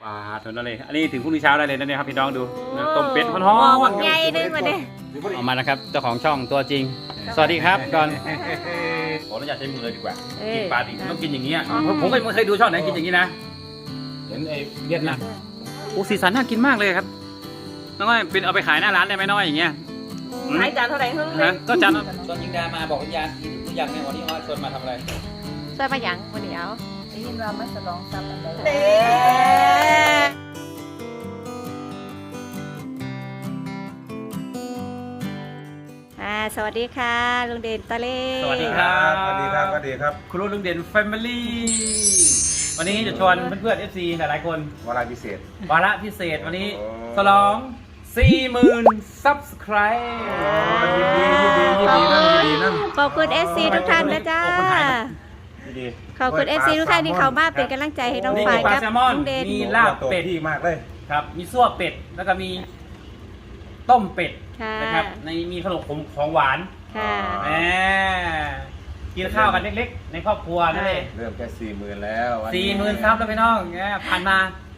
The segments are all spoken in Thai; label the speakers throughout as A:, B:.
A: ปลาเท่านั้นเลยอันนี้ถึงพรุ่งนี้เช้าได้เลยนะเนี่ยครับพี่น้องดูต้มเป็ดฮ้อนๆ
B: ใหญ่นึงมาดิ
A: เอามานะครับเจ้าของช่องตัวจริงสวัสดีครับก่อนขออนุญาตใช้มือเลยดีกว่ากินปลาดิบต้องกินอย่างนี้ผมก็ไม่เคยดูช่องไหนกินอย่างนี้นะเห็นไอ้เวียดนามโอ้สีสันน่ากินมากเลยครับน้องอ้อยเป็นเอาไปขายหน้าร้านได้ไหมน้อยอย่างเงี้ย
B: ขายจานเท่าไหร่เพิ่งเลย
A: ก็จานตอนยิงดามาบอกวิญญาณอยากในวันนี้อ้อยชวนมาทำอะไร
B: ใส่มาหยังวันเดียว
C: ได้ยินว่ามันฉลองทรัพย์อะไร
B: เด้สวัสดีค่ะลุงเด่นตะเล่
A: สวัสดีครับ
D: สวัสดีครับสวัสดีครับ
A: ครูลุงเด่นแฟมิลี่วันนี้จะชวนเพื่อนๆ FC หลายๆคน
D: วาระพิเศษ
A: วาระพิเศษวันนี้ฉลอง 40,000 Subscribe
D: ยินดีนั่น
B: ขอบคุณ FC ทุกท่านนะจ๊ะ
D: ยินดี
B: ขอบคุณ FC ทุกท่านที่เข้ามาเป็นกำลังใจให้น้อง
A: นี่
B: ฝ่าย
A: มีปลา
B: กับ
A: แซลมอน
B: ลุงเด่น
A: มีลาบเป็ด
D: ที่มากเลย
A: ครับ มีซั่วเป็ด แล้วก็มีต้มเป็ด
B: ค่ะ
A: นะครับในมีขนมของหวาน
B: ค่ะ
A: แหมกินข้าวกันเล็กๆ ในครอบครัวนั่นเอง
D: เริ่มแค่40,000แล้ว
A: 40,000 ซับแล้วพี่น้องเนี่ยผ่านมา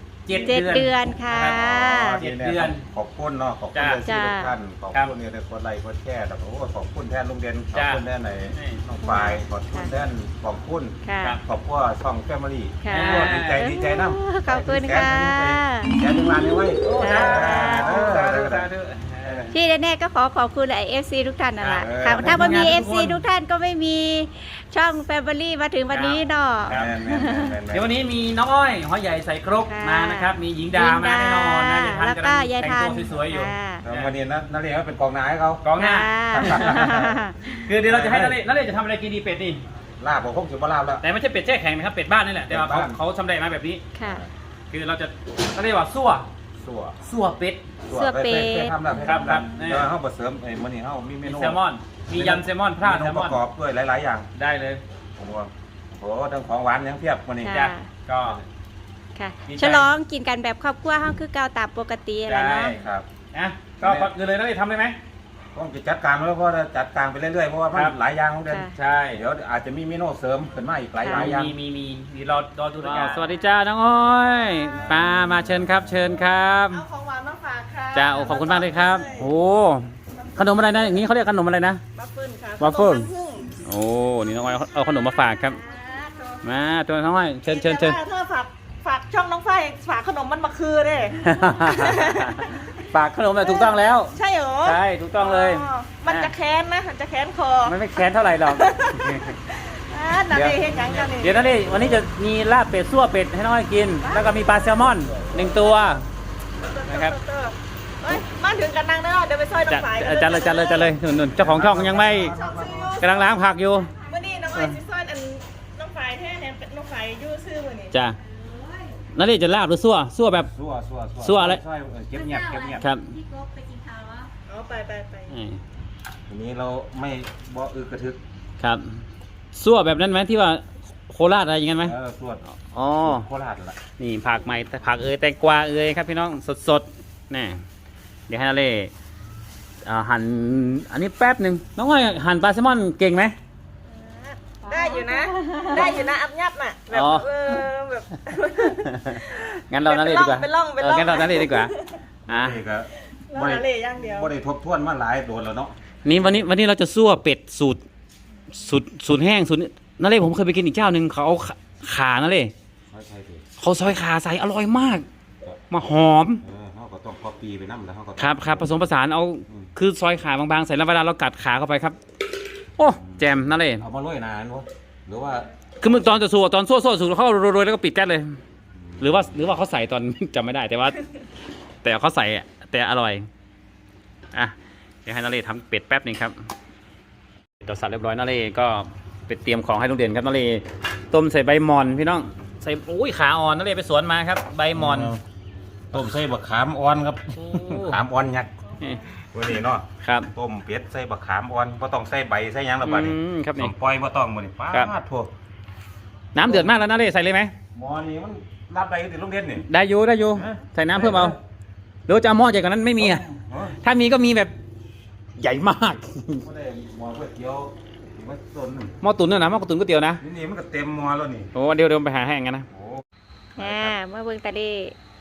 A: 7 เดือน
B: ค่ะ
A: เจ็ดเดือน
D: ขอบคุณเนาะขอบคุณทุกท่านขอบคุณเนี่ยได้กดไลค์กดแชร์แต่โอ้ขอบคุณแทนลุงเด่นขอบคุณแทนไหนน้องฝ่ายขอบคุณแทนขอบคุณ
B: ค่ะ
D: ขอบคุณช่องแฟมิลี่
B: ค่ะ
D: ดีใจน้ำ
B: ขอบคุณค่ะ
D: แชร์ถึงร้านนี้ไว้
B: จ้า
A: สาธุ
B: ที่แน่ๆก็ขอบคุณไอเอฟซีทุกท่านนั่นแหละ
A: ครั
B: ค่ะ
A: บ
B: ถ้าไม่มี
A: ขอบ
B: เอ
A: คุ
B: ฟ
A: ณ
B: ซีทุกท่านก็ไม่มีช่องแฟมิลี่มาถึงวันนี้เนาะ
A: เดี๋ยววันนี้มีน้องอ้อยหอยใหญ่ใส่ครก
B: ค่ะ
A: มานะครับ มีหญิงดามาแน่นอนนะ
B: แล้วก็ยาย
A: แต่ง
B: ทัน
A: ตัวสวยๆอยู่
B: ค่ะ
D: วันนี้นักเรียนเป็นกองหน้าให้เขา
A: กองหน้า
B: ค่ะ
A: คือเดี๋ยวเราจะให้นักเรียนจะทำอะไรกินดีเป็ดนี่
D: ลาบผมคงจะมาลาบแล้ว
A: แต่ไม่ใช่เป็ดแช่แข็งนะครับเป็ดบ้านนี่แหละแต่ว่าเขาชำแหละมาแบบนี้
B: ค่ะ
A: คือเราจะเขาเรียกว่าซั่ว
D: สัว
A: เป็ด
D: ทำแล้ว
A: ครับ
D: เดี๋ยวเขาผสมไอ้มันนี่เขามีเม
A: มี
D: นู
A: แซลมอน มียำแซลมอนพลาดแซล
D: ป
A: มอ
D: ระ
A: น
D: กอบด้วยหลายๆอย่าง
A: ได้เลย
D: ผมว่าโอ้โหทั้งของหวานทั้งเพียบวันนี้
B: ค่ะ
A: จ้ะก็
B: ค่ะ
A: ดีใจ
B: ฉลองกินกันแบบครอบครัวห้องคือเก่าตามปกติอะไรเนาะ
D: ครับ
A: นะก็ก่อนอื่นเลยนักเรียนทำได้ไหม
D: ต้องจะจัดการแล้วเพราะว่าจัดการไปเรื่อยๆเพราะว่ามัน
A: ครับ
D: หลายอย่างของเดือน
B: ค่ะ
A: ใช่
D: เดี๋ยวอาจจะมีเมนูเสริมขึ้นมาอีกหลายอย่าง
A: มีรอดูกันสวัสดีจ้าน้องอ้อยมาเชิญครับเชิญครับ
C: เอาของหวานมาฝากค่ะ
A: จ้าโอ้ขอบคุณมากเลยครับโอ้ขนมอะไรนะอย่างนี้เขาเรียกขนมอะไรนะ
C: บัฟเฟิลค่ะ
A: วัฟเฟิล
C: ขนมน้ำผึ้ง
A: โอ้นี่น้องอ้อยเอาขนมมาฝากครับมาตัวน้องอ้อยเชิญ
C: แต่ว่าถ้าฝากช่องน้องฝ้ายฝากขนมมันมาคือเด้
A: ฝากขนมเลยถูกต้องแล้ว
C: ใช่เหรอ
A: ใช่ถูกต้องเลย
C: มันจะแค้นนะมันจะแค้นคอ
A: มันไม่แค้นเท่าไหร่หรอก
C: นาเดเห็นยังกันนี่
A: เดี๋ยวนะนี่วันนี้จะมีลาบเป็ดซั่วเป็ดให้น้องอ้อยกิน แล้วก็มีปลาแซลมอน1 ตัว นะครับ
C: เอ้ยมาถึงกันนั่งเนาะเดี๋ยวไปซอยน้องฝ้าย
A: จัดเลยนุ่นเจ้าของช่องยังไม่
C: ช่องซื้ออยู่
A: กำลังล้างผักอยู่
C: มื่อนี้น้องอ้อยสิซอยอันน้องฝ้ายแท้เนี่ยน้องฝ้ายอยู่ซื้อมื้อนี้
A: จ้ะนั่นนี่จะลาบหรือซั่วแบบ ซั่วอะไร
D: เก็บเงียบ
A: ครับ
C: เอาไป
D: ทีนี้เราไม่บ่กระทึก
A: ครับซั่วแบบนั้นไหมที่ว่าโคราชอะไรอย่างนั้นไหม
D: สวด
A: อ๋อ
D: โคราชละ
A: นี่ผักใหม่ผักแตงกวาครับพี่น้องสดๆนี่เดี๋ยวให้นาเล่หั่นอันนี้แป๊บหนึ่งน้องอ้อยหั่นปลาแซลมอนเก่งไหม
C: ได้อยู่นะอับยับน่ะแบบ
A: อ๋อ
C: แบบ
A: งั้นเรานาเล่ดีกว่า
C: เป็นร่อง
A: งั้นเรานาเล่ดีกว่าอ่ะ
D: นี่ก็
C: แล้วนาเล่อย่างเดียว
D: บ่ได้ทบทวนมาหลายโดนแล้วเนาะ
A: วันนี้เราจะซั่วเป็ดสูตรแห้งสูตรนาเล่ผมเคยไปกินอีกเจ้าหนึ่งเขาเอาขานาเล่เขาซอยขาใส่อร่อยมาก มาหอม
D: เขาก็ต้องก๊อปปี้ไปนำแล้วเขาก็
A: ครับผสมผสานเอาคือซอยขาบางๆใส่แล้วเวลาเรากัดขาเข้าไปครับ โอ้แจมนาเล่
D: เอามาโรยนานวะหรือว่า
A: คือมึงตอนจะสู้ตอนสู้สูแล้วเขาโรยแล้วก็ปิดแก๊สเลย หรือว่าเขาใส่ตอน จำไม่ได้แต่ว่า แต่เขาใส่อะแต่อร่อยอ่ะเดี๋ยวให้นาเล่ทำเป็ดแป๊บหนึงครับเราสับเรียบร้อยนาเล่ก็ไปเตรียมของให้ลุงเด่นครับนาเล่ต้มใส่ใบหมอนพี่น้องใส่อุ้ยขาอ่อนนาเล่ไปสวนมาครับใบหมอน
D: ต้มใส่บักขามอ่อนครับ
A: โอ้
D: ขามอ่อนยักษ์
A: นี่
D: วันนี้เนาะ
A: ครับ
D: ต้มเป็ดใส่บักขามอ่อนบ่ต้องใส่ใบใส่หยังละบัดนี้
A: ครับนี่
D: ต้มปล่อยบ่ต้องมื้อนี้ป้า
A: ครับ
D: ดโทั่ว
A: น้ำเดือดมากแล้วนาเล่ใส่เลยไหม
D: หมอนี่มันรับได้ติโรงเรียนนี่
A: ได้อยู่ใส่น้ำเพิ่มเอาหรือจะเอาหม้อใหญ่กว่านั้นไม่มีอ่ะถ้ามีก็มีแบบใหญ่มาก
D: บ่ได้หมอก๋วยเตี๋ยวมันต้น
A: หม้อตุ๋นเนี่ยนะหม้อตุ๋นก๋วยเตี๋ยวนะ
D: นี่มันก็เต็มหมอแล้วนี่
A: โอ้เดี๋ยวไปหาให้งั้นนะ
D: โอ้
B: เมื่อเบิ่งตาเล่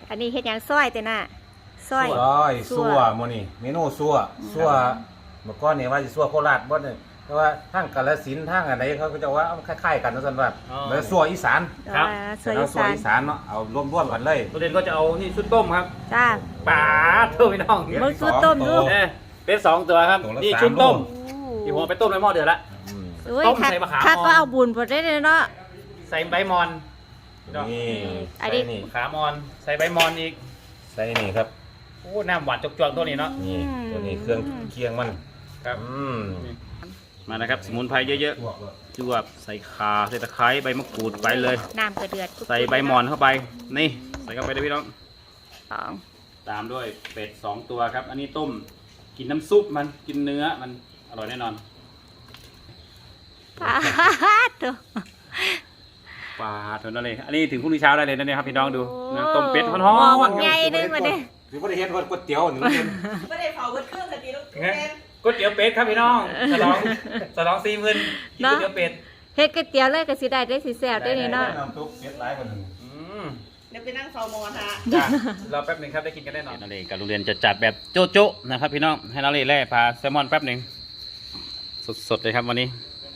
B: อันนี้เฮ็ดหยังซอยแต่น่ะซอย
D: ร้อยซั่วมื้อนี้เมนูซั่วเมื่อก่อนนี่ว่าสิซั่วโคราชบ่เนี่ยแต่ว่าทางกาฬสินธุ์ทางอันใดเขาก็จะว่าคล้ายๆกันว่าซั่นว่าแล้วซั่วอีสาน
A: ครับ
B: ซอย
D: แล้ว
B: อี
D: ซั่ว
B: สาน
D: อีสานเนาะเอารวมๆกันเลย
A: ตัวเด่นก็จะเอานี่ชุดต้มครับ
B: จ้า
A: ป๋าเท่าพี่น้อง
B: มึงสู้ต้มดู
A: เป็น2ตัวครับ
D: ตัวละ
A: นี่
D: 3
A: ชุดต้ม
B: โอ้
A: ที่ผมเอาไปต้มในหม้อเดือดละ
D: อืม
B: โอ้ย
A: ต้ม
B: คัก
A: ใส่มะขาม
B: คัก
A: อ่อน
B: ก็เอาบุญพอได้เลยเนาะ
A: ใส่ใบมอน
D: นี่
B: อันนี้
D: ใส่นี่
A: ขามอนใส่ใบมอนอีก
D: ใส่นี่ครับ
A: โอ้น้ำหวานจกๆตัวนี้เนาะ
D: นี่ตัวนี้เครื่องเคียงมัน
A: ครับ
D: ม
A: มานะครับสมุนไพรเยอะๆจวบใส่ข่าใส่ตะไคร้ใบมะกรูดไปเลย
B: น้ำกระเดือด
A: ใส่ใบมอนเข้าไปนี่ใส่เข้าไปเลยพี่น้อง
B: สอง
A: ตามด้วยเป็ด2ตัวครับ อันนี้ต้มกินน้ำซุปมันกินเนื้อมันอร่อยแน่นอน
B: ปาดตัว
A: ปลาเท่านั้นเลยอันนี้ถึงพรุ่งนี้เช้าได้เลยนะเนี่ยครับพี่น้องดู
B: โอ้
A: นะต้มเป็ดฮ้อน
B: หม้อ
A: ๆ
B: บักใหญ่เลยมาเด้
D: สิบ่ได้เฮ็ดว่าก๋วยเตี๋ยวนี่มันเป็น
C: ไม่ได้เผาเบิดเครื่องกันดีลูกแม่
A: ก๋วยเตี๋ยวเป็ดครับพี่น้องฉลอง40,000กินก๋วยเตี๋ยวเป็ด
B: เฮ็ดก๋วยเตี๋ยวเลยก็สิได้ได้สิแซ่บได้นี่เนาะ
D: น้ำซุปเป็ดหลายกว่านึง
C: เดี๋ยวไปนั่งเฝ้ามอฮะ
A: จ้ะรอแป๊บหนึงครับได้กินกันแน่นอนนาเรกับโรงเรียนจะจัดแบบโจ๊ะๆนะครับพี่น้องให้นาเรแล่พาแซลมอนแป๊บหนึ่งสดๆเลยครับวันนี้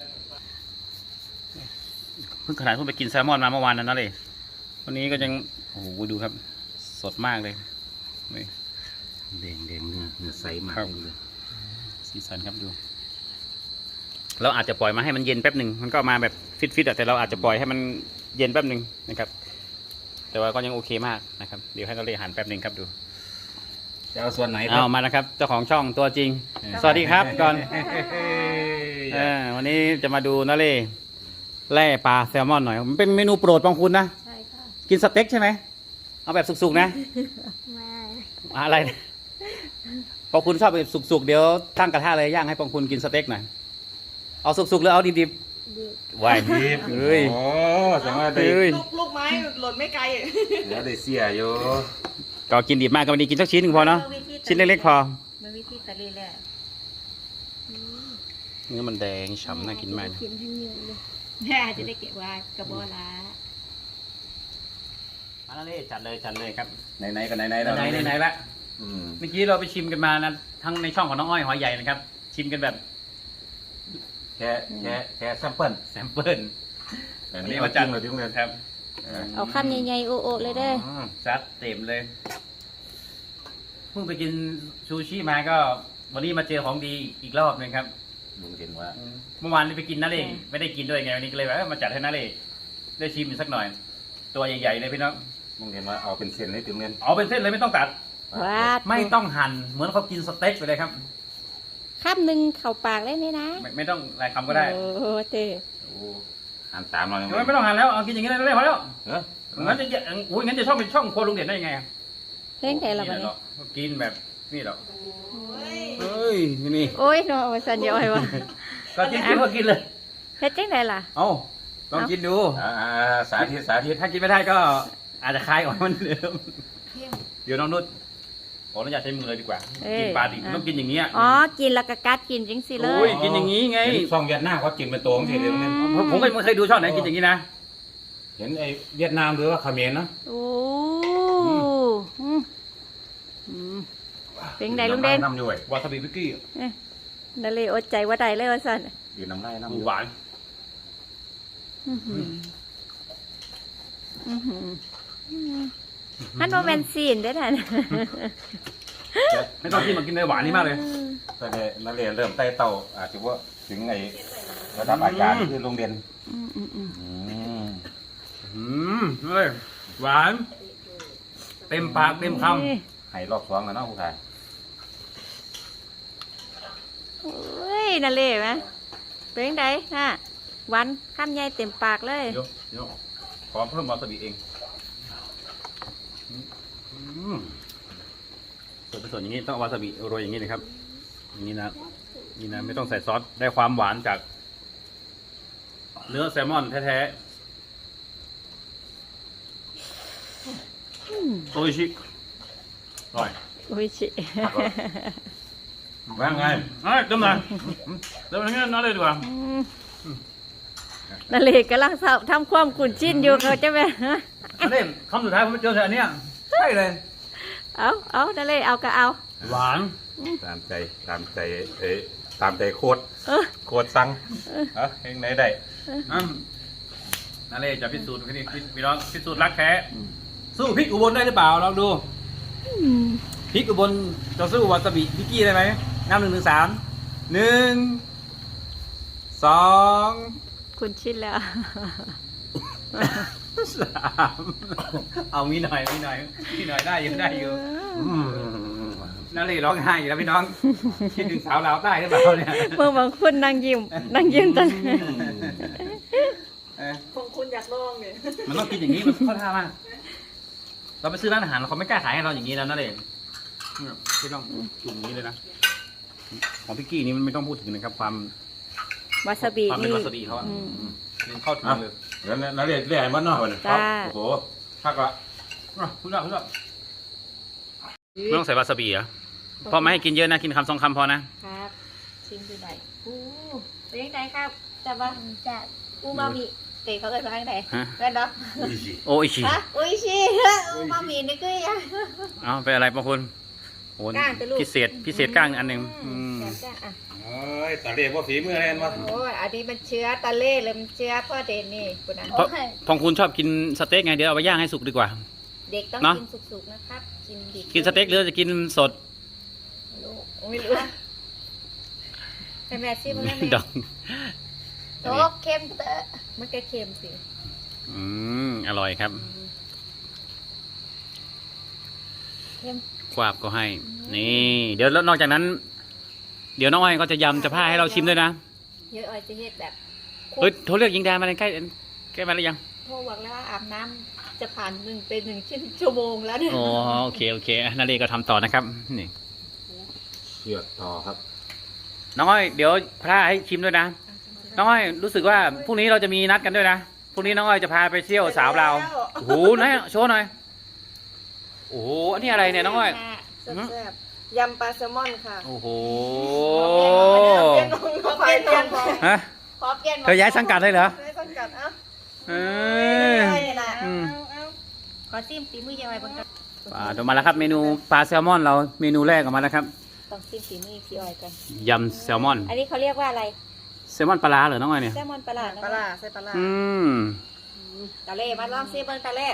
A: เพิ่งขนาดเพิ่งไปกินแซลมอนมาเมื่อวานนั้นนาเรวันนี้ก็ยังโอ้โหดูครับสดมากเลยนี่
D: แดงๆเนื้อใสมาก
A: ครับสีสันครับดูเราอาจจะปล่อยมาให้มันเย็นแป๊บหนึ่งมันก็มาแบบฟิตๆแต่เราอาจจะปล่อยให้มันเย็นแป๊บหนึ่งนะครับ แต่ว่าก็ยังโอเคมากนะครับเดี๋ยวให้นาเรหันแป๊บหนึ่งครับดู
D: จะเอาส่วนไหนครั
A: เอามานะครับเจ้าของช่องตัวจริง สวัสดีครับก่อนวันนี้จะมาดูนาเล่แล่ปลาแซลมอนหน่อยมันเป็นเมนูโปรดของคุณนะ
B: ใช่ค่ะ
A: กินสเต็กใช่ไหมเอาแบบสุกๆนะ
B: มา
A: อะไรนะพอคุณชอบแบบสุกๆเดี๋ยวตั้งกระทะเลยย่างให้ปองคุณกินสเต็กหน่อยเอาสุกๆหรือเอาดิบๆวาย
D: ดิบ
A: เฮ้ย
D: โอ้แสดงว่าได้
A: เฮ้ย
C: ลูกไม้หล่นไม่ไกล
D: เดี๋ยวได้เสียอยู่
A: ก็กินดิบมากก็ไม่ดีกินสักชิ้นหนึ่งพอเนาะชิ้นเล็กๆพอ
B: มันวิธีตะลีแหละ
A: เนื้อมันแดงฉ่ำน่ากินมากนะ
B: กินให้เยอะเลยแม่จะได้เก็บไว้กระบอกละ
A: มานาเล่จัดเลยครับ
D: ไหนๆก็ไหนๆแล้ว
A: ไหนๆละ
D: อืม
A: เมื่อกี้เราไปชิมกันมานะทั้งในช่องของน้องอ้อยหอยใหญ่นะครับ ชิมกันแบบ
D: แค่แซมเปิล
A: แซมเปิล
D: อันนี้มาจังเลยที่โรงเรียน
A: ครับ
B: เอาคำใหญ่ๆโอๆเลยเด้อ
A: ซัดเต็มเลยเพิ่งไปกินซูชิมาก็ วันนี้มาเจอของดีอีกรอบหนึงครับ
D: ลุงเห็นว่า
A: เมื่อวานไปกินนาเล่ไม่ได้กินด้วยไงวันนี้ก็เลยว่ามาจัดให้นาเล่ได้ชิมอีกสักหน่อย ตัวใหญ่ๆเลยพี่น้อง
D: ลุงเห็นว่าเอาเป็นเส้นให้ถึงเรียน
A: เอาเป็นเส้นเลยไม่ต้องตัด
B: ว้าด
A: ไม่ต้องหั่นเหมือนเขากินสเต็กไปเลยครับ
B: คำหนึ่งเข้าปากเลยนี่นะ
A: ไม่ต้องหลายคำก็ได้
B: โอ้เต้
D: โอ้อ่านตามเรายัง
A: ไม่ต้องหั่นแล้วเอากินอย่างนี้ได้พอแล้ว
D: เออ
A: งั้นจะอุ้ยงั้นจะช่องเป็นช่องโครัวลุงเด่นได้ยังไงอะ
B: เพ่งแต่ละวันนี้
A: กินแบบนี่หรอ
C: เฮ้ย
A: เฮ้ยนี่
B: โอ้ยเนาะว่าสันเดียวไอ้วะ
A: ก็กินก็กินเลย
B: เฮ็ดจังไดล่ะ
A: เอาลองกินดู
D: สาธิต
A: ถ้ากินไม่ได้ก็อาจจะคลายออกมาเหมือนเดิมเดี๋ยวน้องนุชขออนุญาตใช้มือเลยดีกว่า กินปลาดิบต้องกินอย่างเงี้ย
B: อ๋อกินแล้วก็กัดกินจังสิเล
A: โอ้
B: ย
A: ยกินอย่างนี้ไง
D: เห็นช่องเวียดนามเขากินเป็นตัวของทีเดียวเนี่ย
A: ผมก็ไม่เคยดูช่องไหนกินอย่างนี้นะ
D: เห็นไอ้เวียดนามหรือว่าเขมรนะ
B: โอ้เป็นไงลุงเด่น
D: น้ำด้วย
A: วาซาบิพิกกี้
B: นั่นเลยอดใจว่าใดเลยว่าสัน
D: กินน้ำไร่น้ำ
A: หวาน
B: ฮันโมเมนซีนได้อท่าน
A: ไม่ต้องกินมากินเลยหวานนี่มากเลย
D: ตอนนี้นักเรียนเริ่มไต่เต่าอาจจะว่าถึงไอ้ระดับอาจารย์คือโรงเรียน
A: เฮ้ยหวาน เต็มปากเต็มคำ
D: ให้รอบสองแล้วเนาะผู้ชาย
B: โอ้ยนั่นเลยไหมเป็นไงฮะวันข้ามใหญ่เต็มปากเลย
A: เดี๋ยวขอเพิ่มวาซาบิเองส่วนผสมอย่างนี้ต้องเอาวาซาบิโรยอย่างนี้นะครับอย่างนี้นะนี่นะไม่ต้องใส่ซอสได้ความหวานจากเนื้อแซลมอนแท้ๆโออิชิอร่อย
B: โอ้ยชิ
D: ว่าไง
A: เติมหน่อยเติมอย่างนี้น้อยเลยดีกว่า
B: นั่นเลยกำลังทำความขุ่นชิ้นอยู่เขาจะไป
A: อันนี้คำสุดท้ายผมเจอแต่อันเนี้ยใช่เลย
B: เอานั่นเลยเอาก็เอา
A: หวาน
D: ตามใจตามใจโคตร
B: เออ
D: โคตรสั่งเองไหนได้
A: นั่นเลยจะพิสูจน์พี่น้องพิสูจน์รักแท้สู้พริกอุบลได้หรือเปล่าลองดูพริกอุบลจะสู้วาซาบิพิกกี้ได้ไหมนับ1 2 3
B: คุณชินแล้ว
A: เอามีหน่อยได้อยู่นั่นเลยร้องไห้อยู่แล้วพี่น้องคิดถึงสาวลาวใต้หรือเปล่าเนี่ย
B: เมื่อบางคนนั่งยิ้มตอน
C: คงคุณอยากลองเนี่ย
A: มันต้องกินอย่างนี้มันเข้าท่ามากเราไปซื้อร้านอาหารเขาไม่กล้าขายให้เราอย่างนี้แล้วนั่นเองพี่ต้องจุ่มอย่างนี้เลยนะของพิกกี้นี่มันไม่ต้องพูดถึงนะครับความ
B: วาซาบิ
A: เป็น
B: นี่
A: วาซาบิเขาอ่ะนี่เข้าถึงเลย
D: แล้วนั่นเรียกมันนอกเลย
B: จ้า
D: โอ้โหพักละ
A: คุณไม่ต้องใส่วาซาบิเหรอพอไม่ให้กินเยอะนะกินคำ2 คำพอนะครับ
B: ชิมดูได้เป็นยังไงครับจะว่าจะอูมามิเตะเขาเกิดมาทางไหนเกิดเนาะ
A: โอ้ยชิ
B: ฮะอุ้ยชีอูมามินี่ก็ยัง
A: เอาไปอะไรบางคนโอ้
B: ก้างแต่ลูก
A: พิเศษก้างอันหนึ่ง
B: จ้าอ่ะ
D: โอ้ยตาเรียกว่าฝีมืออะไรวะ
B: โอ้ยอันนี้มันเชื้อตะเล่เลยมันเชื้อพ่อเดนนี่คุณนะ
A: เพราะพองคุณชอบกินสเต็กไงเดี๋ยวเอาไปย่างให้สุกดีกว่า
B: เด็กต้อง
A: เนอะ
B: กินสุกๆนะครับกินดิบ
A: กินสเต็กหรือจะกินสด
B: ไม่รู้แต่แม่ซิมัน
A: ดอง
B: โต๊ะเค็มเตอะมันก็เค็มสิ
A: อร่อยครับ
B: เค็ม
A: ควาบก็ให้ นี่ เดี๋ยวแล้วนอกจากนั้น เดี๋ยวน้องอ้อยก็จะยำจะผ้าให้เราชิมด้วยนะ
B: เยอะอ้อยจะเฮ็ดแบบ
A: เฮ้ยโทรเรียกยิงดามาเลยใกล้มาแล้วยัง
B: โทรบอกแล้วว่าอาบน้ำจะผ่าน1 ชั่วโมงแล้วเนี่ย
A: โอ้โอเคนาเรก็ทำต่อนะครับนี่
D: เชือดต่อครับ
A: น้องอ้อยเดี๋ยวผ้าให้ชิมด้วยนะน้องอ้อยรู้สึกว่าพรุ่งนี้เราจะมีนัดกันด้วยนะพรุ่งนี้น้องอ้อยจะพาไปเที่ยวสาวเราวโอ้โหไหนโชว์หน่อยโอ้โหอันนี้อะไรเนี่ยน้องอ้อย
C: แซ่บๆยำปลาแซลมอนค่ะ
A: โอ้โห
C: เปลี่ยนน้องไฟเปลี่ยนน้อง
A: ฮะ
B: ขอเปลี่ยน
A: เธอย้ายสังกัดเลยเหรอ
C: ไม่ต้องกัดเอ้า
A: เออ
B: นี่แหละ
A: อืม
C: เอา
B: ขอซิมฝีมือยังไงบ้างครับ
A: เดี๋ยวมาแล้วครับเมนูปลาแซลมอนเราเมนูแรกออกมาแล้วครับ
B: ต้องซิมฝีมือพี่อ้อยกัน
A: ยำแซลมอน
B: อันนี้เขาเรียกว่าอะไร
A: แซลมอนปลาร้าเหรอน้องอ้อยเนี่ย
B: แซลมอนปลาร้า
C: ปลาร้าใส่ปลาร้า
A: อืม
B: ตะเล่มาลองซิเบิ้งตะเล่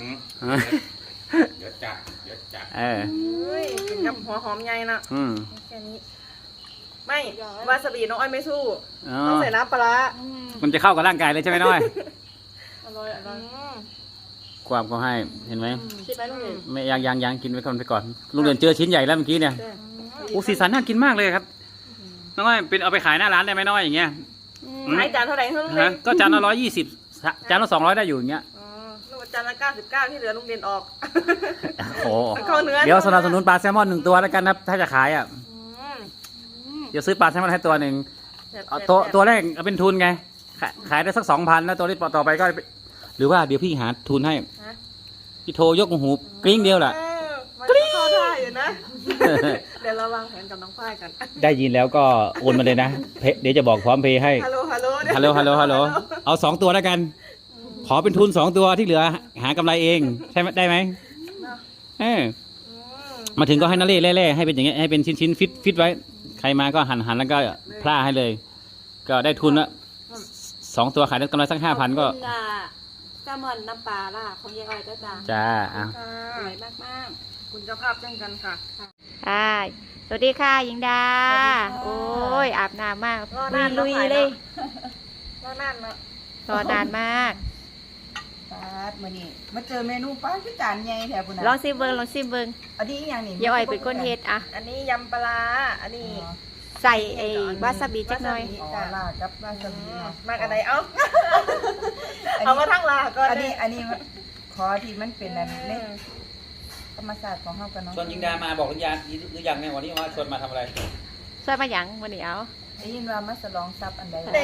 D: เดี๋ยวจัด
A: เออ
C: เฮ้ยกินกับหัวหอมใหญ่นะ
A: อืม
C: แค่นี้ ไม่วาซาบิน้องอ้อยไม่สู้
A: อ๋อ
C: ต้องใส่น้ำปลาร้า
A: มันจะเข้ากับร่างกายเลยใช่ไหมน้องอ้อย
C: อร่อยอร่อย
A: ความก็ให้เห็นไหม
B: ชิมไหมลูกหนึ่ง
A: ไม่ยังกินไปก่อนลุงเดือนเจอชิ้นใหญ่แล้วเมื่อกี้เนี่ยโอ้สีสันน่ากินมากเลยครับน้องอ้อยเป็นเอาไปขายหน้าร้านได้ไหมน้องอ้อยอย่างเงี้ย
C: ขายจานเท่าไหร่เท่านั้นเล
A: ฮะ
C: ย
A: ก็จานละ120จานละ200ได้อยู่อย่างเงี้ย
C: อ๋อลูกจานละ99ที่เหลือลุงเด่นออก
A: โอ้
C: เข้าเนื้อ
A: เดี๋ยวสนับสนุนปลาแซลมอน1 ตัวแล้วกันนะถ้าจะขายอ่ะ
C: อืม
A: เดี๋ยวซื้อปลาแซลมอนให้ตัวหนึ่ง
C: แซ่บๆ
A: เอาตัวแรกเอาเป็นทุนไงขายได้สัก 2,000แล้วตัวนี้ต่อไปก็หรือว่าเดี๋ยวพี่หาทุนให้
C: ฮะ
A: พี่โทรยกหูกริ้งเดียวแหละ
C: มันเข้าท่าอยู่นะ เดี๋ยวเราวางแผนกับน้องฝ้ายกัน
A: ได้ยินแล้วก็โอนมาเลยนะเดี๋ยวจะบอกพร้อมเพย์ให้
C: ฮัลโหล
A: ฮัลโหลเอา2 ตัวแล้วกัน ขอเป็นทุน2 ตัวที่เหลือหากำไรเองใช่ไหมได้ไหมเออมาถึงก็ให้นาเล่ให้เป็นอย่างเงี้ยให้เป็นชิ้นฟิตไว้ ใครมาก็หั่นแล้วก็พล่าให้เลย ก็ได้ทุนละ2 ตัวขายได้กำไรสัก 5,000 ก็
B: ขอบคุณแซลมอนน้ำปลาล่ะของยายอ้อยก็จ้า
A: จ้าอ่ะ
C: ค่ะ
B: อร่อยมาก
C: คุณเจ้าภาพเช่นกันค่ะ
B: ๆค่ะสวัสดีค่ะหญิงดา โอ้ยอาบน้ำมาก
C: รอนาน
B: ลุยๆเลย
C: รอนานเนาะ
B: รอนานมาก
E: ปาดมื้อนี้มาเจอเมนูปลาคือจานใหญ่แถวพุ่นน่ะ
B: ลองซิมเบิงลองซิมเบิง
E: อันนี้อีหยังนี่
B: ยายอ้อยเป็นคนเฮ็ดอ่ะ
C: อันนี้ยำปลาร้าอันนี้
B: ใส่ไอ้วาซาบิจักหน่อย
E: อ๋อลาดกับวาซาบิเนาะ
C: มากอันไหนเอาเอามาทั้งลาก่อน
E: อันนี้ขอที่มันเป็นอันเล็กธรรมศาสตร์ของเฮากันเนาะ
A: ชวนยิงดามาบอกหรือยังเนี่ยวันนี้มาชวนมาทำอะไร
B: ช่วยมาหยังวันนี้เอา
E: ได้ยินว่ามาฉลองทรัพย์อันใด
C: เด้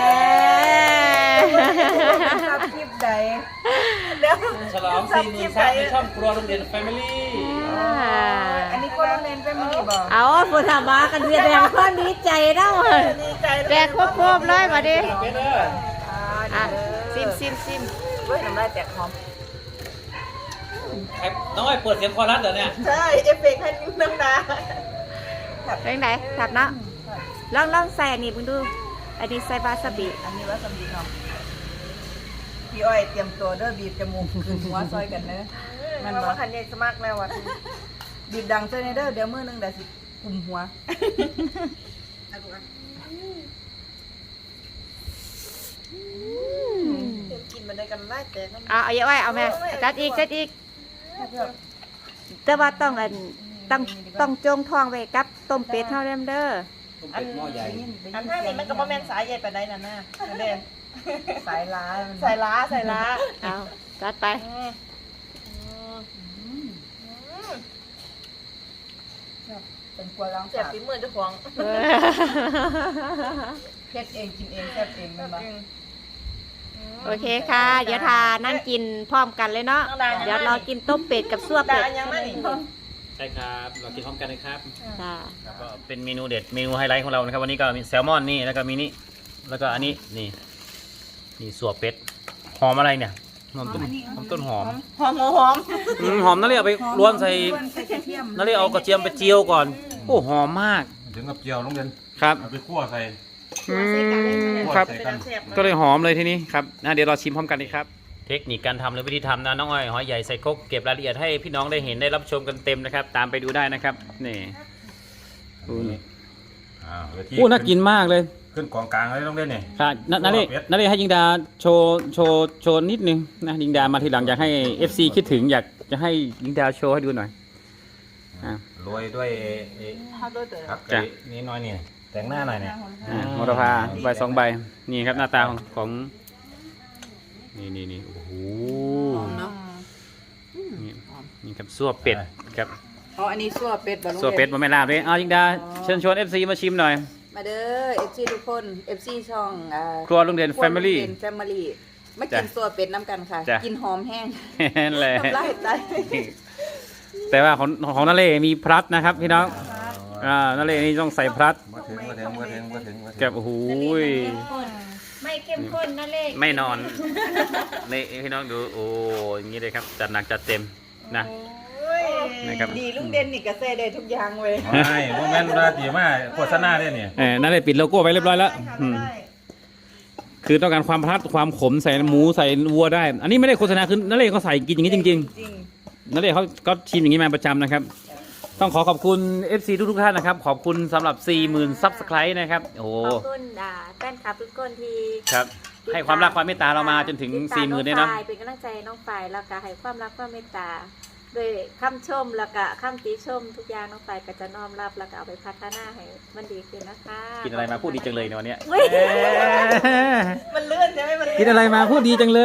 E: ทรัพย์คลิปใด
C: เดี๋ยว
A: ฉลอง40,000ซับในช่องครัวโรงเรียนแฟมิลี่
E: อันนี้คนโรงเรียนเป็นมื้อนี้บ่
B: เอาผู้ทำมากันแสดงความดีใจเนาะ
C: ดีใจ
B: แดกครบๆเลยมาดิ
A: เป็นเด้อ
B: อ่ะซิม
E: เฮ้ยน้ำลายแตกหอม
A: ครน้องอ้อยเปิดเสียงคอรัสเหรอเนี่ย
C: ใช่เอฟเฟกต์ให้น้ำตา
B: เป็นไงถับเนาะลองใส่อันนี้มึงดูอันนี้ใส่วาซาบิ
E: อันนี้ว่าสำลีเนาะพี่อ้อยเตรียมตัวเด้อบีบจมูกขึ้นหัวซอยกันเด้อ
C: มันว่าคันใหญ่สมัครแล้วอ่ะ
E: บีบดังซอยในเด้อเดี๋ยวมื้อนึงได้สิกุมหัว
C: กินมันได้กันไล่แต่น้ำ
B: เอาเยอะไว้เอาแม่จัดอีกแต่ว่าต้องจงทองไว้กับต้มเป็ดเท่าเดิมเด้อ
A: ต้มเป็ดหม้อใหญ่
C: อันท่านี้มันก็บ่แม่นสายใหญ่ไปได้น่ะนะเด้
E: สายล้า
C: ใส่ล้า
B: เอาจัดไป
E: เป็นกลัวล้าง
C: เจ็บ
E: สาบ
C: ฝีมือเจ้าของ
E: เฮ็ดเองกินเองแซ่บเองแม่นบ่
B: โอเคค่ะ เดี๋ยวทานั่งกินพร้อมกันเลยเนาะเดี๋ยวเรากินต้มเป็ดกับซั่ว
C: ด่า
B: เป็ด
C: ยังไม่นี่
A: ใช่ครับเรากินพร้อมกันนะครับ
B: จ้า
A: ก็เป็นเมนูเด็ดเมนูไฮไลท์ของเรานะครับวันนี้ก็มีแซลมอนนี่แล้วก็มีนี่แล้วก็อันนี้นี่สัวเป็ดหอมอะไรเนี่ยหอมต้นหอม
C: หอม
A: หอมนั่นเลยเอาไปล้วนใส่
E: ใส่กระเทียม
A: นั่นเลยเอากระเทียมไปเจียวก่อนโอ้หอมมาก
D: ถึงกับเจียวลงเรียน
A: ครับ
D: เอาไปคั่วใส่
A: ครับ
D: ใส่กัน
A: ก็เลยหอมเลยทีนี้ครับเดี๋ยวเราชิมพร้อมกันดีครับ เทคนิคการทำหรือวิธีทำนะน้องอ้อยหอยใหญ่ใส่ครกเก็บรายละเอียดให้พี่น้องได้เห็นได้รับชมกันเต็มนะครับ ตามไปดูได้นะครับนี่
D: เวที
A: น่ากินมากเลย
D: ขึ้นกองกลางเลยต้องเล่นนี่
A: ค่ะนั่นเลยให้ยิงดาโชว์นิดนึงนะยิงดามาทีหลังอยากให้ FC คิดถึงอยากจะให้ยิงดาโชว์ให้ดูหน่อย
D: โรยด้วย
E: ข้าวด้วยเด้อ
D: ครับ
A: จ้ะ
D: นี่น้อยนี่แต่งหน้าหน่อยเนี่ย
A: โมรพาใบ2 ใบนี่ครับหน้าตาของนี่โอ้โห
E: หอมเนาะ
A: นี่ครับซั่วเป็ดครับ
E: อ๋ออันนี้ซั่วเป็ดบ่ลุง
A: ซั่วเป็ดบะแม่ลาบเลยเอายิงดาเชิญชวน FC มาชิมหน่อย
E: มาเด้อ FC ทุกคน FC ช่อง
A: ครัวลุงเด่น Family
E: แฟมิลี่มากินซั่วเป็ดน้ำกันค่ะ
A: จ้ะ
E: กินหอมแห้ง
A: นั่นแหละ
E: น้ำลายไหล
A: แต่ว่าของนาเล่มีพลัดนะครับพี่น้องนาเล่นี่ต้องใส่พลัด
D: มาถึง
A: กับโอ้โหย
B: ไม่เข้มข้นนั่นเลย
A: ไม่นอนนี่พี่น้องดูโอ้อย่างนี้เลยครับจัดหนักจัดเต็มนะ นะครับ
E: ดีลุงเด่นนี่ก็ใส่ได้ทุกอย่างเว้ย
D: ใช่โมเมนต์ราตีมาโฆษณาเนี่ยนี่
A: นาเล่ปิดโลโก้ไว้เรียบร้อยแล้วคือต้องการความพลัดความขมใส่หมูใส่วัวได้ อันนี้ไม่ได้โฆษณาคือนาเล่เขาใส่กินอย่างนี้จริง
E: จริง
A: ๆนาเล่เขาก็ชิมอย่างนี้มาประจำนะครับ ต้องขอบคุณ FC ทุกท่านนะครับขอบคุณสำหรับ 40,000 ซับสไครต์นะครับโอ้โห
B: ขอบคุณแฟนคลับทุกคนที่
A: ครับให้ความรักความเมตตาเรามาจนถึง 40,000เนี่ยเนาะ
B: เป็นกำลังใจน้องฝ่ายแล้วก็ให้ความรักความเมตตาโดยคำชมแล้วก็คำติชมทุกอย่างน้องฝ่ายก็จะน้อมรับแล้วก็เอาไปพัฒนาให้มันดีขึ้นนะคะ
A: กินอะไรมาพูดดีจังเลยในวันเนี้ย
B: เว้ย
C: มันเลื่อนใช่ไหมมัน
A: กินอะไรมาพูดดีจังเลย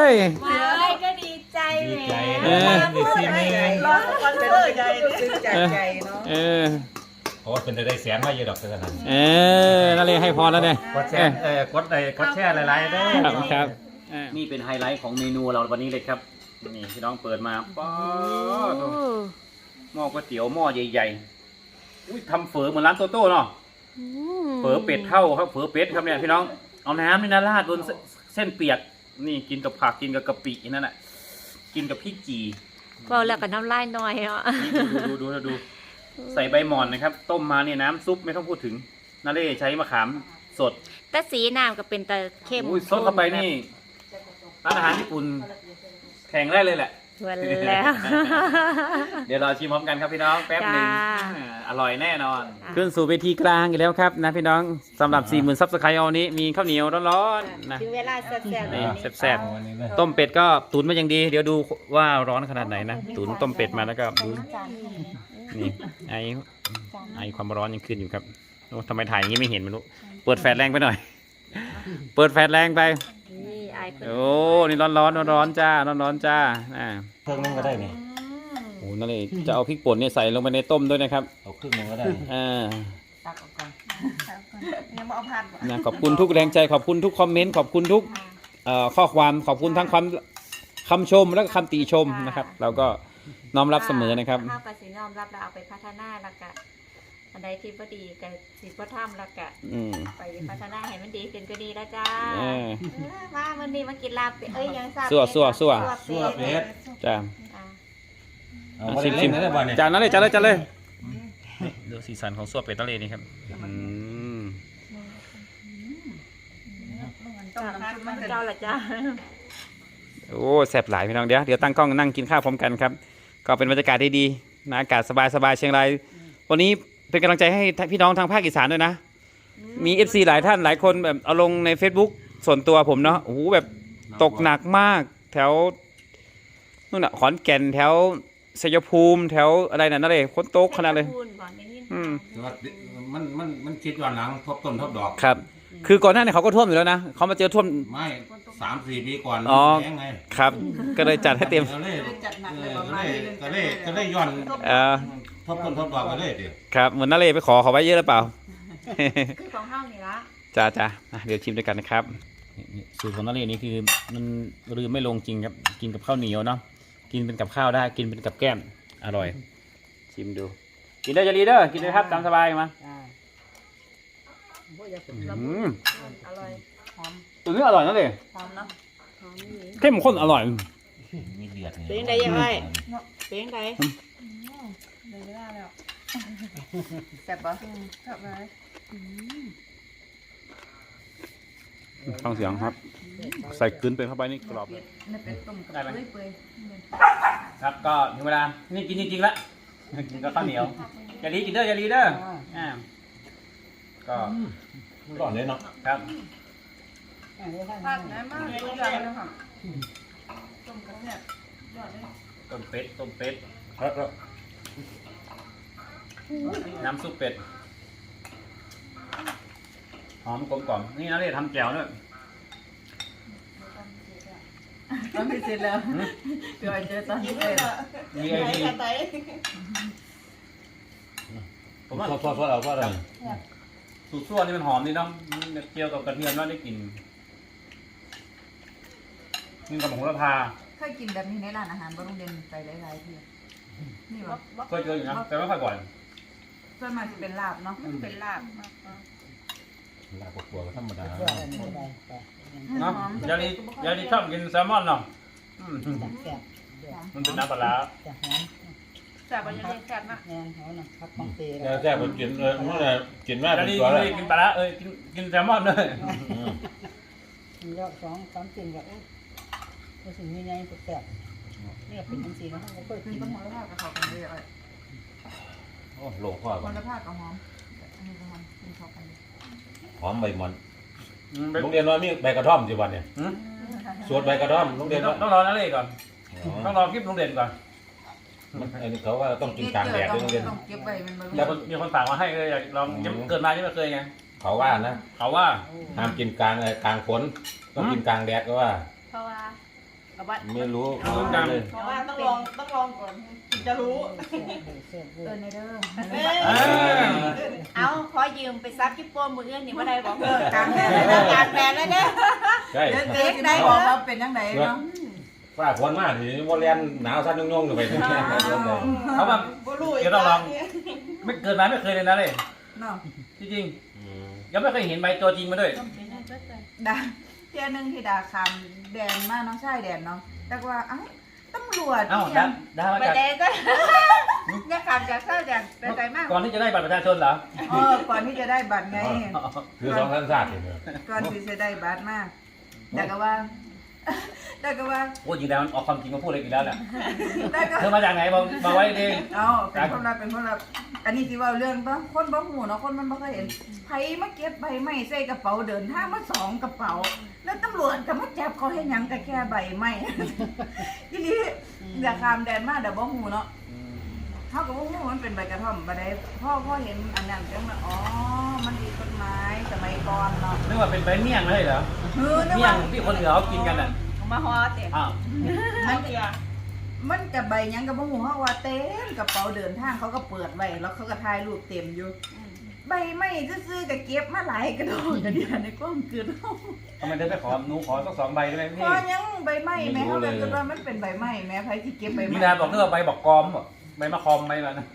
B: ไม่ก็ดีใจ
D: ดี
B: แห
D: ใจ
B: ม
D: ดีซีนี่
C: ร้อนคอนเสิร์ตใหญ่
E: ซึ้งจากใจเนาะ
A: เออ
D: โอ้เป็นได้แสนมาเยอะดอกเท่านั้น
A: นั่นเลยให้พรแล้วเนี่ย
D: กดแชร์กดแชร์หลายๆได้
A: ครับนี่เป็นไฮไลท์ของเมนูเราวันนี้เลยครับนี่พี่น้องเปิดมาป๊าดหม้อก๋วยเตี๋ยวหม้อใหญ่ๆอุ้ยทำเฝอเหมือนร้านโตโต้เนาะเฝอเป็ดเท่าครับเฝอเป็ดครับเนี่ยพี่น้องเอาน้ำนี่นะราดบนเส้นเปียกนี่กินกับผักกินกับกะปินั่นแหละกินกับพริกจี่
B: บอกแล้วก็น้ำลายหน่อยเนาะ
A: นี่ดูใส่ใบหม่อนนะครับ ต้มมาเนี่ยน้ำซุปไม่ต้องพูดถึงนาเล่ใช้มะขามสด
B: แต่สีน้ำก็เป็นตะเข้ม
A: อุ้ยซดเข้าไปนี่ร้านอาหารญี่ปุ่นแข่งได้เลยแหละ
B: วันแล้ว
A: เดี๋ยวเราชิมพร้อมกันครับพี่น้องแป๊บหนึ่ง
B: จ้า
A: อร่อยแน่นอนขึ้นสู่เวทีกลางอีกแล้วครับนะพี่น้องสำหรับ 40,000 ซับสไครต์เอานี้มีข้าวเหนียวร้อนๆนะ
B: ถึงเวลาแซ่บๆ
A: นี่
B: นี่
A: แซ่บๆต้มเป็ดก็ตุ๋นมาอย่างดี เดี๋ยวดูว่าร้อนขนาดไหนนะตุ๋นต้มเป็ดมาแล้วก็ดูนี่ไอความร้อนยังขึ้นอยู่ครับโอ้ทำไมถ่ายอย่างนี้ไม่เห็นไม่รู้เปิดแฟลชแรงไปหน่อย เปิดแฟลชแรงไป
B: นี่ไอายเพิ่น
A: โอ้นี่ร้อนจ้าร้อนจ้า
D: เครื่องนึงก็ได้นี่
A: โอ้นั่นเลยจะเอาพริกป่นเนี่ยใส่ลงไปในต้มด้วยนะครับ
D: เอาครึ่งนึงก็ได้
E: ตักออกก่อน
C: ยังมาเอาผัด
A: นะขอบคุณทุกแรงใจขอบคุณทุกคอมเมนต์ขอบคุณทุกข้อความขอบคุณทั้งคำชมและก็คำติชมนะครับเราก็น้อมรับเสมอนะครับ
B: ข้าวปลาสีน้อมรับแล้วเอาไปพัฒนาแล้วก็อันใดที่บ่ดีก็สิบ่ทำแล้วก็ ไปพัฒนาให้มันดีขึ้นก็ดีแล้วจ้ามาวันนี้มากินลาบเป็ดยังซา
A: ซั่ว
D: ซั่วเป็ด
A: จ้า
B: อ
D: เอาบ่ได้เล่นได้บ่เนี่ย
A: จานนั้นเลยจานเลยดูสีสันของซั่วเป็ดทะเลนี่ครับอืม
E: ต้มน้ำซุปมันเป็น
B: เจ้าละจ้า
A: โอ้แซ่บหลายพี่น้องเดี๋ยวตั้งกล้องนั่งกินข้าวพร้อมกันครับก็เป็นบรรยากาศที่ดีนะอากาศสบายๆเชียงรายวันนี้เป็นกำลังใจให้พี่น้องทางภาคอีสานด้วยนะมี FC หลายท่านหลายคนแบบเอาลงใน Facebook ส่วนตัวผมเนาะโอ้โหแบบตกหนักมากแถวนู่นน่ะขอนแก่นแถวชัยภูมิแถวอะไรนั่นเลยฝนตกขนาดเลย
B: พูดก่อนอย่างนี้
A: อืม
D: แต่ว่ามันคิดย้อนหลังทบต้นทบดอก
A: ครับ คือก่อนหน้านี้เขาก็ท่วมอยู่แล้วนะเขามาเจอท่วม
D: ไม่3-4 ปีก่อน
A: อ๋อ
D: แพงไง
A: ครับ ก็เลยจัดให้เต็ม
D: ก็เลย
E: จัดหนัก
D: เอ
E: เลย
D: อ
E: ประมาณนี้
D: ก็เลยย้อน ทบต้นทบดอกไปเลยดิ
A: ครับเหมือนนั่นเลยไปขอเขาไว้เยอะหรือเปล่า
B: คือของเฮานี่ละ
A: จ้าอ่ะเดี๋ยวชิมด้วยกันนะครับนี่สูตรของนั่นเลยนี่คือมันลืมไม่ลงจริงครับกินกับข้าวเหนียวเนาะกินเป็นกับข้าวได้กินเป็นกับแก้มอร่อย ชิมดู กินได้จะรีเดอร์กินเลยครับตามสบายมาอืม
B: อร่อย
E: หอม
A: ตัวนี้อร่อยนั่นเลย
E: หอมเนาะ
B: หอมนี่
A: เข้มข้นอร่อย
D: มีเดือด
B: เป็นยังไงยังไงเป็นยังไง
C: เลยเวลาแล้ว
E: แซ่บปะ
C: กลับมา
A: ฟังเสียงครับ ใส่กลืนเป็นเข้าไปนี่กรอบ
E: นี่เป็นต้มกับ
A: ได้ไหม
E: เปื่อย
A: ครับก็ถึงเวลานี่กินจริงๆละกินกับข้าวเหนียวอย่าลีกินเด้ออย่าลีเด้ออ่าก็
D: ร้อนเลยเนาะ
A: ครับ
E: ๆผักนะมากทุกอย่างเลยค่ะ
C: ต้มกันเนี่ยยอดเลย
A: ต้มเป็ด
D: ครับ
A: น้ำซุปเป็ดหอมกลมกล่อมนี่นะเรียทำแจ่วด้วย
E: ตอนพิเศษแล้วเดี๋ยวเจอตอนพิเศษ
A: มีไอ
C: ไต
A: ดี
C: ไต
A: ผมว่า
D: ทอดเอาทอดอะไร
A: สูตรซั่วนี่มันหอมดีเนาะเกี่ยวกับกระเทียมแล้วได้กลิ่นนี่กับผงละพา
E: เคยกินแบบนี้ในร้านอาหารบโรงเรียนไปหลายๆที่นี่วะ
A: เคยเจออยู่นะแต่ไม่ค่อยบ่อย
E: ส่วนมากจะเป็นลาบเนาะเป็นลาบมาก
D: ลาบกัวก็ธรรมดา
A: เนาะยาดีชอบกินแซลมอนเนาะอืมมันเป็นน้ำปลาร้า
C: แซ่บยังไงแซ่บนะ
D: แค่ผมกินเมื่อไหร่กินแม่
A: ยา
D: เป็น
A: ดี
D: ตัวแล้ว
A: กินปลาร้ากินแซลมอนเลย
F: ยอด2-3สิ่งแบบก็สิ่งใหญ่ๆแซ่บๆนี่เป็นจังซี่นะเขาก็
E: มี
F: กิน
E: ต้นหัวละผ้ากับเขากันเลย
D: โอ้ลงข้อ
E: หั
D: ก่อ
E: วน ละผ้ากับหอมอันนี้ก็หอมกินเขากันเลย
D: หอมใบมันโรงเรียนว่ามีใบกระท่อมจีวันเนี่ยสวดใบกระท่อมโรงเรียนว่า
A: ต้องรอนั่นเลยก่อนต้องรอคลิปโรงเรียนก่อน
D: อันนี้เขาว่าต้องกินกลางแดดด้วยโรงเรียน
E: ต้องเก็บไว้มันบ่
A: แล้วมีคนฝากมาให้เลยอยากลองยังเกิดมายังไม่เคยไง
D: เขาว่านะ
A: เขาว่า
D: ห้ามกินกลางฝนต้องกินกลางแดดก็ว่า
B: เพราะว่าเอาบัตร
D: ไม่รู้
C: เพราะว่าต้องลองก่อนจะรู้
F: แซ่บเวอร์
E: ในเด้อ
B: เอาขอยืมไปซักที่โป้มืออื่นนี่บ่ได้บอก
E: กลางแดด
B: กลางแดดเลยเด้อ
D: ใช่
E: เด็กได้บอกว่าเป็นยังไงเนาะ
D: ฝ้าฝนมากทีนี้ว่าเรียนหนาวสั้นยุ่งๆไปที่นี่
A: เขาแบบ
C: บ่รู้
A: เดี๋ยวต้องลองไม่เกิดมาไม่เคยเลยนะเลย
E: เนาะ
A: จริงๆยังไม่เคยเห็นใบตัวจริงมาด้วย
E: ดาเที่ยนึงที่ดาคำแดนมาน้องชายแดนเนาะแต่ว่าอ้าวตำรวจ
A: เอ้า
E: ยั
A: ดามา
B: ไป
A: จาก
B: เด้จ้ะอย่าขำจากเศร้าจากไปไกลมาก
A: ก่อนที่จะได้บัตรประชาชนเหรอ
E: ก่อนที่จะได้บัตรไง
D: คือสองท่านศาสตร์เนี่ย
E: ก่อนที่จะได้บัตรมากแต่ก็ว่า แต่ก็ว่า
A: โอ้จริงแล้วมันออกความจริงมาพูดเลยอีกแล้วแหละ
E: แต่ก็
A: เธอมาจากไหนบอกไว้ดิ
E: เอาเป็นคนรับเป็นคนรับอันนี้ที่ว่าเรื่องต้องคนบ่หูเนาะคนมันบ่เคยเห็นไผมาเก็บใบไม้ใส่กระเป๋าเดินทางมา2กระเป๋า แล้วตำรวจก็มาจับเขาให้หยังก็แค่ใบไม้ ทีนี้อยากข้ามแดนมาเดี๋ยวบ่หูเนาะเขาก็บ่หูมันเป็นใบกระท่อมบ่ได้พ่อเห็นอันนั้นจังว่าอ๋อมันมีต้นไม้สมัยก่อนเนาะ
A: นึกว่าเป็นใบเมี่ยงเลยเหรอ
E: นึก
A: เมี่ย
E: ว่าง
A: ที่คนเหนือเขากินกันอ่ะ
B: มาฮอเตะ
A: อ้าว
E: มันจะใบหยังก็บ่หูเฮาว่าเต็มกระเป๋าเดินทางเขาก็เปิดไว้แล้วเขาก็ถ่ายรูปเต็มอยู่ ใบไม้ซื่อๆก็เก็บมาหลายกระโดดกระเดียในความเกิดเฮา
A: ทำไมเธอไม่ขอหนูขอสัก2 ใบได้ไหม
E: พ
A: พี่
E: อยังใบไม้แม่เขาเป็นว่ามันเป็นใบไม้แม่ไผที่เก็บใบ
A: มี
E: ไม้
A: นาบอกนึกว่าใบบอกกอมใบมะคอมใบอะไรนะ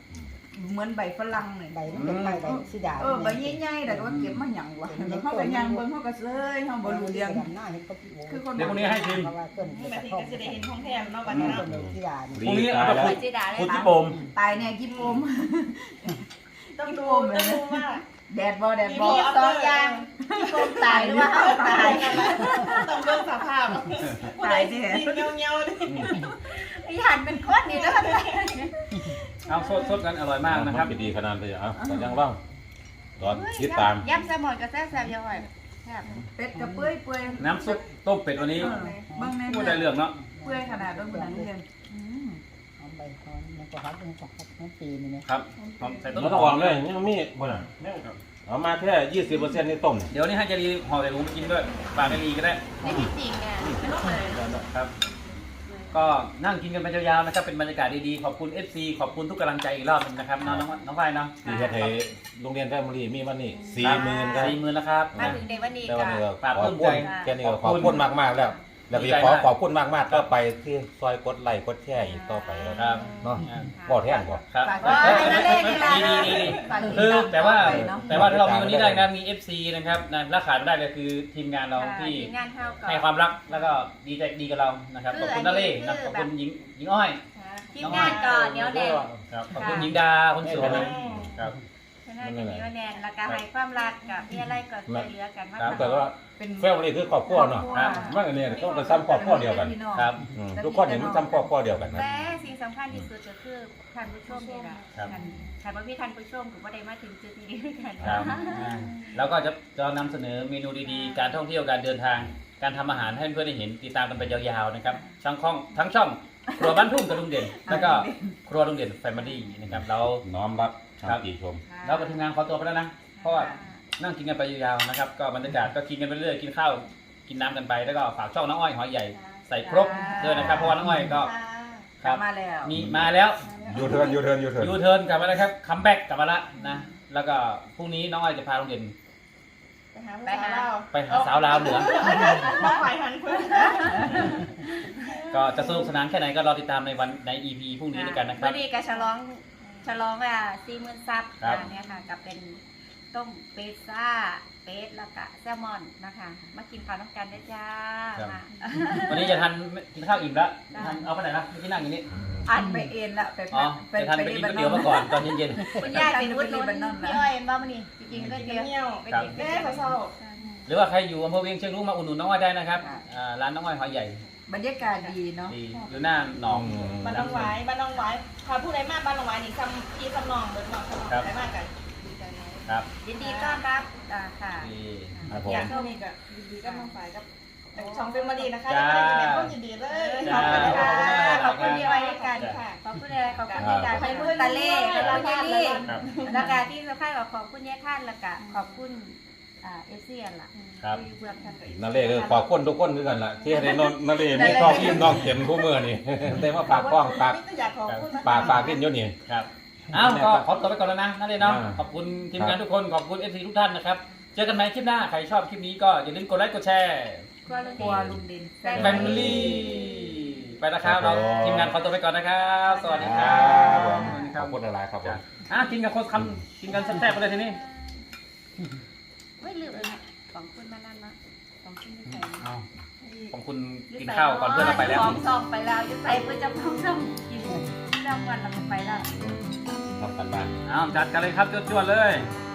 E: เหมือนใบฝรั่งนี่
F: ใบมันเป็นใบสีดา
E: ใบใหญ่ๆแต่ว่าเก็บมาหยังวะเฮาก็ย่างเบิ่งเฮาก็เซยเฮาบ่รู้เรื่อง
F: หน้าเห็นก็พี่โอ้
E: คือคน
A: เดี๋ยวพรุ่งนี้ให้ชิม
F: เพราะว่าต้น
C: แม่
F: กระ
C: ที
F: ท่อม
C: ก็จะได้เห็นของแถมเนาะบัด
F: ต้
C: นี้
F: น
C: เนาะ
F: สีดา
A: พรุ่งนี้เอาไป
B: ไปจีดาเลย
A: พูด
B: ค่ะ
A: ที่โปม
E: ตายแน่กินโอม
C: ต้องดูว่า
E: แดดบ่
B: มีสองอย่างที่โกงตายหรือว่าเฮาตาย
C: ต้องเบิ่งสภาพผู้ใดสิเงียวๆดิ
B: พี่หันเป็นคนนี่เด้อ
A: เอาสดกันอร่อยมากนะครับ
D: ดีขนาดเลยแต่ยังว่างตอนติดตาม
B: ยำแซลมอนกับแซ่บๆยังไงแซ่บ
E: เป็ดกับเปื่อย
A: น้ำซุปต้มเป็ดวันนี้
E: เบิ่งแน่
A: พูดได้เรื่องเนาะ
E: เปื่อยขนาดเบิ่งบ่ได้เรื่อง
F: เอาใบคอนมันก็ฮัดมันก็ฮัดทั้งปีนี่นะครับ
A: หอมใส่ต้น
D: มันต้อง
A: ห
D: อ
A: อ
D: อก
A: ม
D: เลยยังมีบ่น่ะเอามาแค่ 20%นี่ต้ม
A: เดี๋ยวนี้ให้เจรีห่อใส่ถุงไปกินด้วยฝากให้ลีก็ได้
B: ในที่จริงเนี่ยไม่ต้องเลย
A: ครับ ก็นั่งกินกันไปยาวๆนะครับเป็นบรรยากาศดีๆขอบคุณ FC ขอบคุณทุกกำลังใจอีกรอบหนึงนะครับน้องฝ้ายเนาะ
D: ที่เฮ็ดให้โรงเรียนแฟมิลี่มีวันนี้40,000ครับ
A: 40,000แล้วครับ
B: มาถึงในวันนี้
D: แต่วัน
B: ก็
D: นี้ก็
A: ฝาก
D: ขอบ
A: ปลื้
D: คุ
A: ม
D: ณ
A: ใจ
D: แค่นี้ก็ขอบคุณมากๆแล้วแล้วก็ขอบคุณมากๆก็ไปที่ซอยกดไลค์กดแชร์อีกต่อไปแล้ว
A: ครับ
D: เนาะบ่แท่นบ่
A: ครับ
B: ฝากไว้นั่นเองนี่แหละ
A: ดีคือแต่ว่าถ้าเรามีวันนี้ได้นะมี FC นะครับนะและขาดไม่ได้เลยคือทีมงานเราที่
B: งานเท่ากับ
A: ให้ความรักแล้วก็ดีใจดีกับเรานะครับขอบคุณนาเล่นะขอบคุณหญิงอ้อย
B: ทีมงานก่อนเดี๋ยวแดง
A: ครับขอบคุณหญิงดาคนสวยครับ
B: ฉะนั้นจะมีวันแดนแล้วก็ให้ความรักกับพี่อะไรก็ช่วยเหลือกันมา
D: แต่ว่า
E: เป็น
D: แฟมิลี่คือครอบครัวเนาะมันอันนี้ก็เป็นซ้ำครอบครัวเดียวกัน
A: ครับ
D: ทุกคนนี่มันซ้ำครอบครัวเดียวกันนะ
B: แต่สิ่งสำคัญที่สุดก็คือท่านผู้ชมนี่แหละท่านพี่ท่านผู้ชมถือว่าได้มาถึงจุดนี้ด้วยกัน
A: ครับแล้วก็จะนำเสนอเมนูดีๆ การท่องเที่ยวการเดินทาง การทำอาหารให้เพื่อนได้เห็นติดตามกันไปยาวๆนะครับทั้งช่องครัวบ้านทุ่งกับลุงเด่นแล้วก็ครัวลุงเด่นแฟมิลี่นะครับเรา
D: น้อมรับคำติชม
A: เรากับทีมงานขอตัวไปแล้วนะเพราะว่านั่งกินกันไปยาวๆนะครับก็บรรยากาศก็กินกันไปเรื่อยกินข้าวกินน้ำกันไปแล้วก็ฝากช่องน้องอ้อยหอยใหญ่ใส่ครบด้วยนะครับเพราะว่าน้องอ้อยก็ครับ
E: มาแล้ว
A: มีมาแล้ว
D: ยูเทิร์น
A: ยูเทิร์นกลับมาแล้วครับคัมแบ็กกลับมาแล้วนะแล้วก็พรุ่งนี้น้องอ้อยจะพาลุงเด่น
C: ไปหาสาวลาว
A: ไปหาสาวลาวเหนือ
C: มาฝ่ายหันเพื่อน
A: ก็จะสนุกสนานแค่ไหนก็รอติดตามใน EP พรุ่งนี้ด้วยกันนะครับ
B: วันนี้ก็ฉลอง40,000 ซับเนี่ยค่ะกับเป็นต้มเป็ดซ่าเป็ดแล้วก็แซลมอนนะคะมากินข้าวน้ำกันได้จ้า
A: วันนี้จะทันกินข้าวอิ่มแล้วทันเอาไปไหนนะไม่กินนั่งอย่างนี้
E: อันไปเอ็นละไป
A: อ๋อจะทันไปกินก๋วยเตี๋ยวมาก่อนตอนเย็น
B: คุณยายเป็นวุ้นลุ้นพี่อ้อยบ้ามันนี่จริงๆก็เดียว
C: เงียว
B: ไป
A: ครับ
B: กิน
C: แม่เขาเศร้า
A: ๆหรือว่าใครอยู่อำเภอเวียงเชียงรุ้งมาอุดหนุนน้องอ้อยได้นะครับร้านน้องอ้อยหอยใหญ่
E: บรรยากาศดีเนาะ
A: ดีอยู่หน้าหนอง
C: บ้านน้องไว้บ้านน้องไว้พาผู้ใดมากบ้านน้องไว้นี่พี่ซ้ำนองเบิดนองซ้ำนองใครมากกัน
A: ครับ
B: ยินดีต้อนรับค่ะ
A: ดี
D: ครับผม
C: อยากเข้ามีกับดีๆก็น้องฝ่ายกับช่องเป็นมาดีนะคะได้กินแบบก็ยินดีเลย
B: ขอบคุณค่ะขอบคุณพี่อ้อยด้วยกันค่ะขอบคุณอะไรขอบคุณยายการขอบคุณตาเล่ขอบคุณยายลี่
A: ครับ
B: แล้วก็ที่สำคัญก็ขอบคุณยายท่านแล้วก็ขอบคุณเอเซียนล่ะ
A: ครับ
B: ที่เบื้องท่านก็
D: นั่นเลยคือขอบคุณทุกคนด้วยกันล่ะที่ให้นนนั่นเลยมีครอบครัวน้องเต็มคู่มือนี่ ได้มาฝากกล้องฝาก
C: อยากขอบคุณ
D: ฝากกินอยู่นี่
A: ครับอ้าวก็ขอตัวไปก่อนแล้วนะนั่นเลยเนาะ
D: อ่า
A: ขอบคุณทีมงานทุกคนขอบคุณ FC ทุกท่านนะครับเจอกันใหม่คลิปหน้าใครชอบคลิปนี้ก็อย่าลืมกดไลค์กดแชร์
B: ครัวลุง
E: ครัว
B: เด่น
E: ลุงเด่น
A: แฟมิลี่ไปนะครับเราทีมงานขอตัวไปก่อนนะครับ สวัสดีค
D: ค
A: รั
D: รับ
A: บ
D: ขอบคุณอะไรครับผม
A: กินกับคนคำกินกันแซ่บๆไปเลยทีนี้
B: ไม่ลืมเลยของคุณมานั่นนะของคุณที่ใส่
A: เอาของคุณกินข้าวก่อนเพื่อนเราไปแล้ว
B: ของซองไปแล้วยุใส่เพื่อจะพ้องซ่องกินเรื่องวันเราไปแล้ว
D: ทำกันบ้าน
A: เอาจัดกันเลยครับจวดๆเลย
B: ค